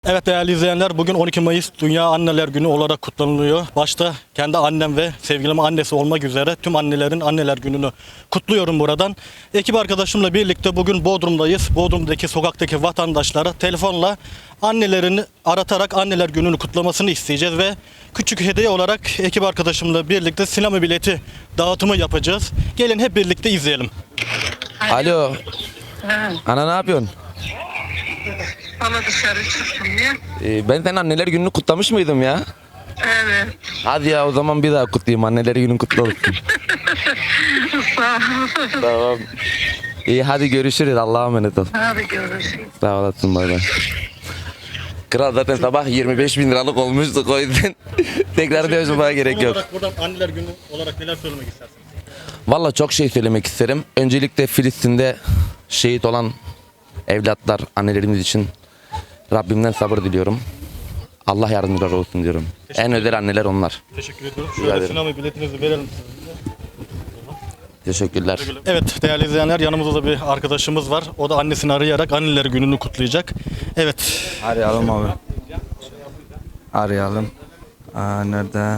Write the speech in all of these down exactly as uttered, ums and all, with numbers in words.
Evet değerli izleyenler, bugün on iki Mayıs Dünya Anneler Günü olarak kutlanılıyor. Başta kendi annem ve sevgilim annesi olmak üzere tüm annelerin Anneler Günü'nü kutluyorum buradan. Ekip arkadaşımla birlikte bugün Bodrum'dayız. Bodrum'daki sokaktaki vatandaşlara telefonla annelerini aratarak Anneler Günü'nü kutlamasını isteyeceğiz ve küçük hediye olarak ekip arkadaşımla birlikte sinema bileti dağıtımı yapacağız. Gelin hep birlikte izleyelim. Alo. Ha, Ana ne yapıyorsun? bana dışarı çıktım ya. Ee, ben senin anneler gününü kutlamış mıydım ya? Evet. Hadi ya o zaman bir daha kutlayayım. Anneler günün kutlu olsun. Sağ ol. Tamam. İyi hadi görüşürüz. Allah'a emanet ol. Hadi görüşürüz. Sağ olasın bay bay. Kral zaten sabah yirmi beş bin liralık olmuştuk o yüzden tekrar dövmeye gerek Son yok. olarak buradan Anneler Günü olarak neler söylemek istersiniz? Valla çok şey söylemek isterim. Öncelikle Filistin'de şehit olan evlatlar, annelerimiz için Rabbimden sabır diliyorum. Allah yardımcıları olsun diyorum. En özel anneler onlar. Teşekkür ediyorum. Rica Şöyle ederim. sinema biletinizi verelim size. Teşekkürler. Evet değerli izleyenler, yanımızda da bir arkadaşımız var. O da annesini arayarak Anneler Günü'nü kutlayacak. Evet. Arayalım abi. Arayalım. Aa, nerede?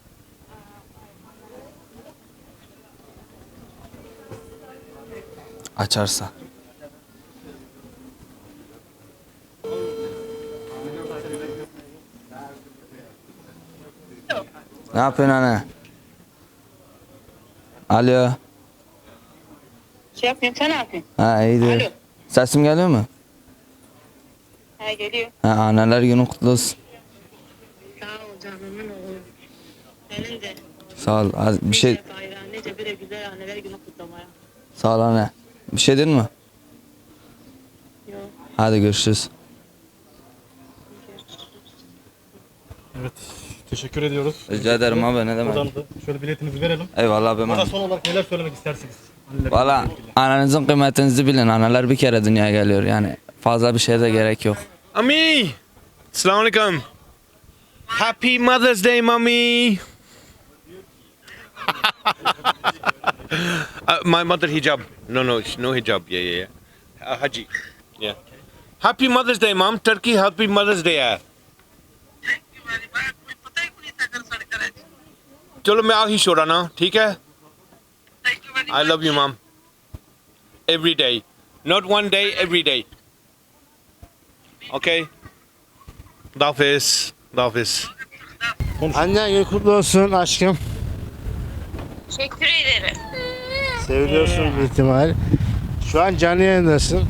Açarsa. Ne yapıyorsun anne? Alo. Şey yapmıyorum, sen ne yapıyorsun? Ha iyidir. Alo. Sesim geliyor mu? Ha geliyor. Ha, anneler günü kutlu olsun. Sağ ol canımın oğlu. Senin de. Sağ ol. Az- Bir şey Nice bayrağı, nice böyle güzel anneler günü kutlamaya. sağ ol anne. Bir şey dedin mi? Yok. Hadi görüşürüz. Evet. Teşekkür ediyoruz. Rica ederim abi ne demek. Buradan da şöyle biletinizi verelim. Eyvallah abi. Burada son olarak neler söylemek istersiniz? Anneler Valla Günü'yle ilgili. ananızın kıymetinizi bilin. Analar bir kere dünyaya geliyor yani. Fazla bir şeye de gerek yok. Ami, Assalamu alaikum. Happy Mother's Day, mommy. uh, my mother hijab. No, no, it's no hijab. Yeah, yeah, yeah. Uh, Haji. Yeah. Happy Mother's Day, mom. Turkey, Happy Mother's Day. यार चलो मैं आ ही छोड़ा ना ठीक है I love you, mom. Every day, not one day, every day. Okay. Dafis, Dafis. Annen günü kutlu olsun aşkım. Teşekkür ederim. Seviliyorsun bir ihtimal. Şu an canlı yayındasın.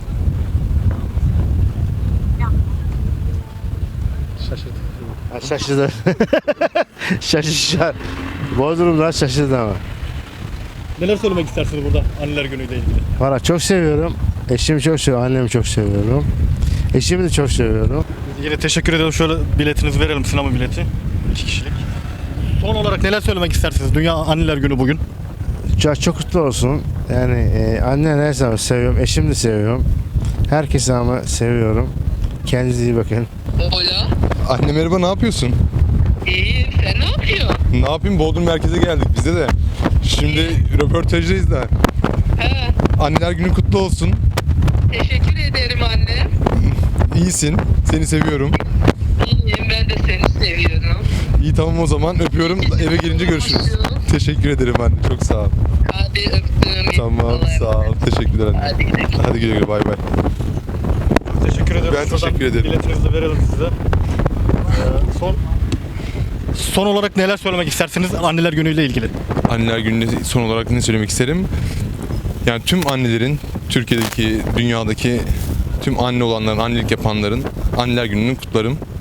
Şaşırdım. Ha, şaşırdı. Şaşırdı. Bodrum'dan şaşırdı ama. Neler söylemek istersiniz burada Anneler Günü ile ilgili? Valla çok seviyorum. Eşimi çok seviyorum. Annemi çok seviyorum. Eşimi de çok seviyorum. Yine teşekkür ediyorum. Şöyle biletinizi verelim, sinema bileti. İki kişilik. Son olarak neler söylemek istersiniz? Dünya Anneler Günü bugün. Çok, çok kutlu olsun. Yani e, annen her zaman seviyorum. Eşimi de seviyorum. Herkesi ama seviyorum. Kendinize iyi bakın. Hola. Anne merhaba, ne yapıyorsun? İyi, sen ne yapıyorsun? Ne yapayım, Bodrum merkeze geldik bizde de. Şimdi röportajdayız da. He, Anneler günü kutlu olsun. teşekkür ederim anne. İyisin, seni seviyorum. İyiyim, ben de seni seviyorum. İyi tamam o zaman, öpüyorum. Eve gelince görüşürüz. Teşekkür ederim anne, çok sağ ol. Hadi öptüm. Tamam, Allah'a sağ ol. emanet. Teşekkürler anne. Hadi gidelim. Hadi güle güle, bay bay. Teşekkür ederim. Ben Şuradan teşekkür ederim. Biletinizi de verelim size. Ee, son Son olarak neler söylemek istersiniz Anneler Günü ile ilgili? Anneler gününe son olarak ne söylemek isterim? Yani tüm annelerin, Türkiye'deki, dünyadaki tüm anne olanların, annelik yapanların Anneler gününü kutlarım.